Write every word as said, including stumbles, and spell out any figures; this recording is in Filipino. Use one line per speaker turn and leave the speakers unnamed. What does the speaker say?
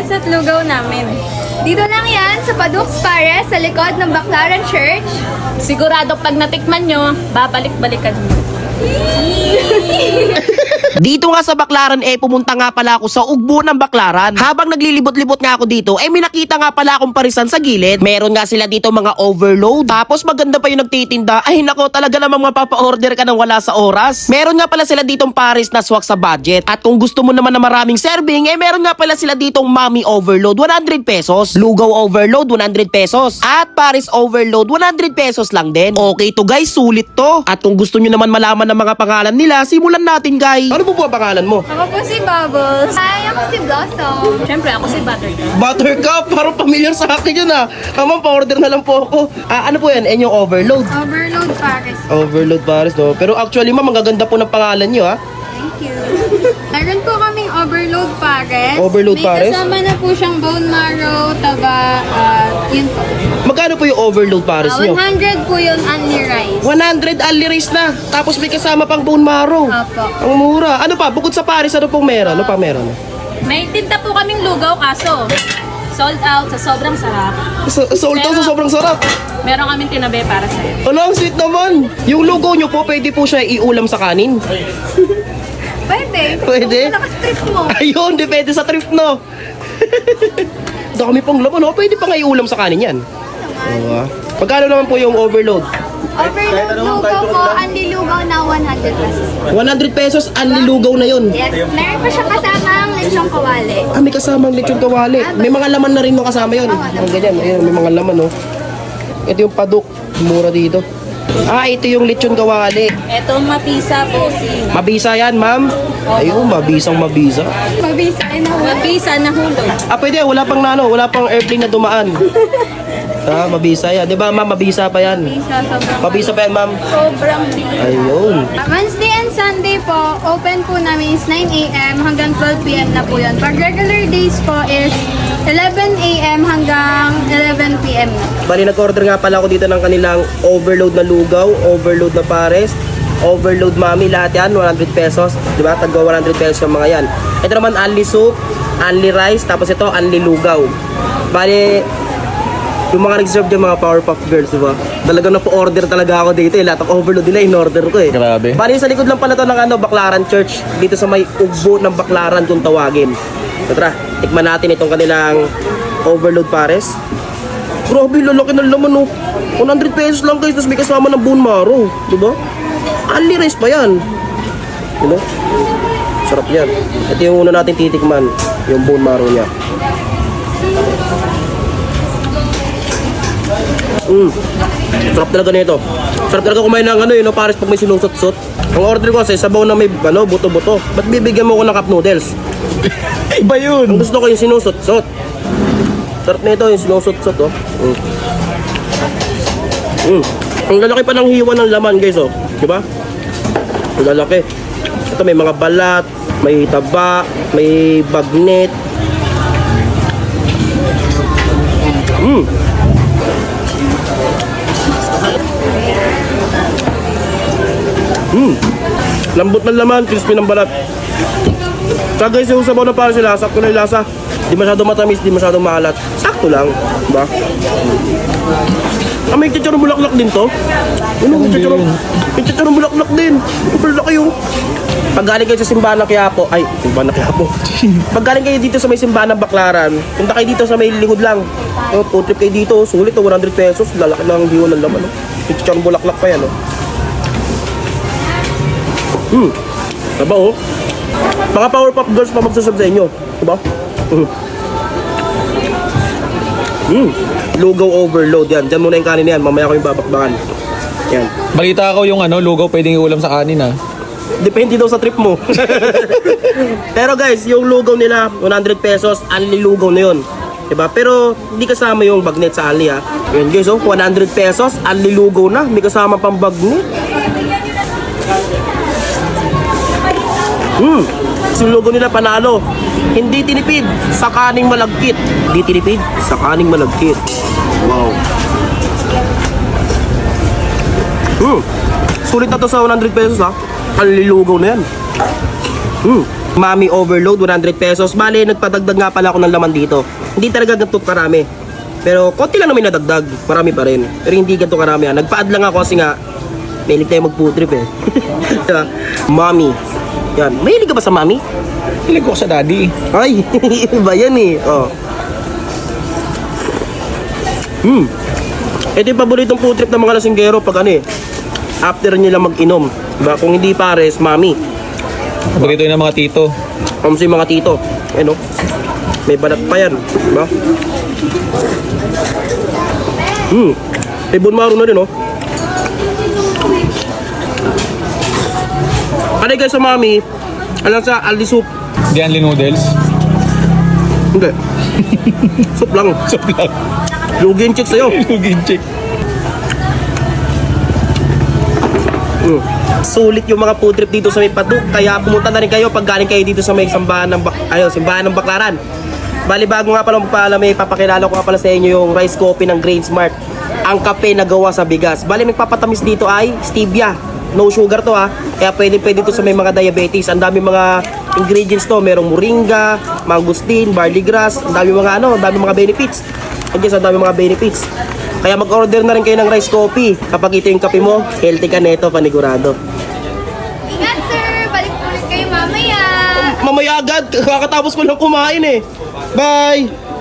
pares at lugaw namin.
Dito lang yan sa Padux Pares sa likod ng Baclaran Church.
Sigurado pag natikman nyo, babalik-balikan nyo.
Dito nga sa Baclaran eh, pumunta nga pala ako sa ugbo ng Baclaran. Habang naglilibot-libot nga ako dito, eh may nakita nga pala akong parisan sa gilid. Meron nga sila dito mga overload. Tapos maganda pa yung nagtitinda. Ay nako, talaga namang mapapa-order ka ng wala sa oras. Meron nga pala sila ditong pares na swak sa budget. At kung gusto mo naman na maraming serving, eh meron nga pala sila ditong mommy overload, one hundred pesos. Lugaw overload, one hundred pesos. At pares overload, one hundred pesos lang din. Okay to guys, sulit to. At kung gusto nyo naman malaman ng mga pangalan nila, simulan natin guys. Ano po po ang pangalan mo?
Ako po si Bubbles. Hi, ako si Blossom.
Siyempre, ako si Buttercup.
Buttercup, parang familiar sa akin yun ah. Ah, ma'am, pa-order na lang po ako. Ah, ano po yan? Eh, yung overload.
Overload Pares.
Overload pares, no? Pero actually, ma'am, ang gaganda po ng pangalan nyo, ha?
Thank you. Meron po kaming overload Pares.
Overload
May
Pares?
kasama na po siyang bone marrow, taba, at yun po.
Magkano po yung overload pares
Ah,
nyo?
one hundred po yun only rice.
one hundred only rice na. Tapos may kasama pang bone marrow.
Opo.
Ang mura. Ano pa? Bukod sa pares, ano pong meron? Ano pa meron?
May tinta po kaming lugaw kaso sold out sa sobrang sarap.
So, sold out sa sobrang sarap.
Meron kaming tinabi para sa'yo.
Ano, ang sweet naman. Yung lugaw nyo po, pwede po siya iulam sa kanin.
Pwede.
Pwede?
Kung nakastrip mo.
Ayun, depende sa trip, no? Dami pang laman, no? Pwede pa nga iulam sa kanin yan. Oo, ah. Magkano naman po yung overload?
Overload lugaw po, only lugaw na one hundred pesos.
one hundred pesos, only lugaw na yun.
Yes, meron pa siya kasamang lechong kawali.
Ah, may kasamang lechon kawali. May mga laman na rin mo kasama yun. Ang ganyan, ayun, may mga laman, no? Ito yung paduk, mura dito. Ah, ito yung lechon kawali.
Eto mapisa po si
Mabisa yan, ma'am. Ayun, mabisang mabisa.
Mabisa na
Mapisa na hulog.
Ah, pwede, wala pang nano, wala pang airplane na dumaan. Ah, mabisa yan. Di ba, ma'am, mabisa pa yan.
Mabisa sobrang.
Mabisa pa yan, ma'am.
Sobrang big.
Ayun.
Wednesday and Sunday po, open po namin is nine a m hanggang twelve p m na po yun. Pag regular days po is eleven a m hanggang eleven p m na.
Bali, nag-order nga pala ako dito ng kanilang overload na lugaw, overload na pares, overload mami, lahat yan, one hundred pesos. Diba? Tagwa one hundred pesos yung mga yan. Ito naman, only soup, only rice, tapos ito, only lugaw. Bali, yung mga nag-serve dyan, mga Powerpuff Girls, diba? Talagang napo-order talaga ako dito eh. Lahat ng overload nila, in-order ko eh.
Grabe.
Bali, sa likod lang pala to ng ano, Baclaran Church. Dito sa may ugbo ng Baclaran kung tawagin. So tara, tikman natin itong kanilang overload pares. Grabe, lalaki ng laman oh. one hundred pesos lang guys, tapos may kasama ng bone marrow. Diba? Only rice pa yan. Diba? Sarap yan. Ito yung una natin titikman, yung bone marrow niya. Mm. Sarap talaga nito. Sarap talaga kumain ng ano, yun, no, pares pag may sinusot-sot. Ang order ko kasi sabaw na may ano, buto-buto. Ba't bibigyan mo ko ng cup noodles?
Iba yun.
Ang gusto ko yung sinusot-sot. Sarap nito yung sinusot-sot, oh. Mm. Mm. Ang lalaki pa ng hiwa ng laman, guys, oh. Diba? Ang lalaki. Ito may mga balat, may taba, may bagnet. Mm. Mm. Lambot ng laman, crispy ng balat. Tsaka guys, yung sabaw na parang sila, sakto na yung lasa. Di masyadong matamis, di masyadong maalat. Sakto lang, diba? Ah, may chicharong bulaklak din to. Ano, may chicharong, may chicharong bulaklak din. Super laki yung. Pag galing kayo sa simbahan ng Quiapo, ay, simbahan ng Quiapo. Pag galing kayo dito sa may simbahan ng Baclaran, punta kayo dito sa may lingod lang. Oh, food trip kayo dito, sulit, oh, one hundred pesos. Lalaki lang ang hiwa ng laman, oh. May chicharong bulaklak pa yan, oh. Hmm, sabaw, oh. Mga Powerpuff Girls pa magsasabi sa inyo, diba? Mm. Mm. Lugaw overload yan. Diyan muna yung kanin yan. Mamaya ko yung babakbakan. Yan.
Balita ko yung ano, lugaw pwedeng iulam sa kanin ah.
Depende daw sa trip mo. Pero guys, yung lugaw nila, one hundred pesos, only lugaw na yun. Diba? Pero hindi kasama yung bagnet sa only ha. Yan guys, oh, one hundred pesos, only lugaw na. May kasama pang bagnet. Hmm. Yung logo nila panalo. Hindi tinipid sa kaning malagkit. Hindi tinipid sa kaning malagkit. Wow. Hmm. Sulit na to sa one hundred pesos ha. Ang lilugaw na yan. Hmm. Mami Overload, one hundred pesos. Bale, nagpadagdag nga pala ako ng laman dito. Hindi talaga ganito karami. Pero konti lang naman nadagdag. Marami pa rin. Pero hindi ganito karami. ah. Nagpa-add lang ako kasi nga, mahilig tayo mag-food trip eh. Diba? Mami. Yan. Mahilig ka ba sa mami?
Hilig ko sa daddy.
Ay, iba yan eh. Oh. Hmm. Ito yung paboritong food trip ng mga lasinggero pag ano eh. After nila mag-inom. Diba? Kung hindi pares, mami.
Paborito yun ng mga tito.
Kung sa mga tito. Ano? May balat pa yan. Diba? Hmm. May bunmaro na rin oh. Ano guys sa mami? Alam sa Aldi soup?
Dianli noodles.
Hindi. Soup lang.
Soup lang.
Lugin chick sa'yo.
Lugin chick.
Mm. Sulit yung mga food trip dito sa may Paduk. Kaya pumunta na rin kayo pag galing kayo dito sa may sambahan ng, Bak- ayun, simbahan ng Baklaran. Bali bago nga pala magpaalam, may papakilala ko nga pala sa inyo yung rice coffee ng Grain Smart. Ang kape na gawa sa bigas. Bali magpapatamis dito ay stevia. No sugar to ha. Kaya pwede pwede to sa may mga diabetes. Ang dami mga ingredients to. Merong moringa, mangustin, barley grass. Ang dami mga ano, ang dami mga benefits. Ang ang dami mga benefits. Kaya mag-order na rin kayo ng rice coffee. Kapag ito yung kape mo, healthy ka neto, panigurado.
Ingat sir! Balik po ulit kayo mamaya!
Mamaya agad, kakatapos ko lang kumain eh. Bye!